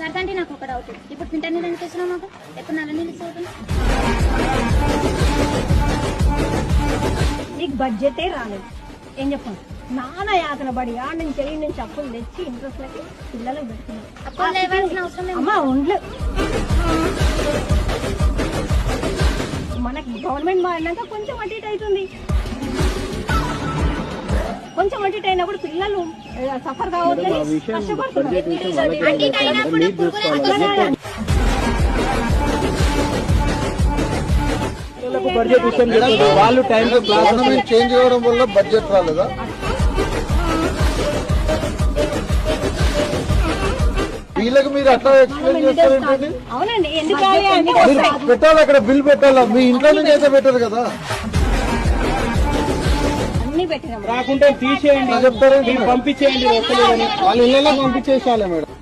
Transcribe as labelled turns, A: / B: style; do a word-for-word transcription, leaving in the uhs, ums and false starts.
A: కడతాంటే నాకు ఒక డౌట్, ఇప్పుడు ఫిల్టర్ నీళ్ళు ఎందుకు వేసినావు మాకు? ఎప్పుడు నల్ల నీళ్ళు చదువుతుంది?
B: నీకు బడ్జెటే రాలేదు. ఏం చెప్పండి, నాన్న యాతన పడి ఆడ నుంచి వెళ్ళి నుంచి అప్పులు తెచ్చి ఇంట్రెస్ట్లకి పిల్లలకు పెడుతున్నాం.
A: అప్పుడు లేవాల్సిన అవసరం లేదు.
B: అమ్మా ఒండ్లు మనకి గవర్నమెంట్ మారినాక కొంచెం అటు ఇటు అవుతుంది. కొంచెం అటు ఇటు అయినప్పుడు పిల్లలు సఫర్ కావద్దని కష్టపడుతున్నారు.
C: వాళ్ళు టైం గవర్నమెంట్ చేంజ్ అవ్వడం వల్ల బడ్జెట్ రాలేదా? వీళ్ళకి మీరు అట్లా ఎక్స్ప్లెయిన్ చేస్తారేంటండి?
B: అవునండి, ఎందుకు
C: పెట్టాలి, అక్కడ బిల్ పెట్టాలా? మీ ఇంట్లో నుంచి అయితే పెట్టరు కదా.
B: అన్ని పెట్టినాం.
D: రాకుంటే తీసేయండి,
C: చెప్తారేంటి?
D: పంపించేయండి.
C: వాళ్ళ ఇళ్ళలో పంపించేసాలే మేడం.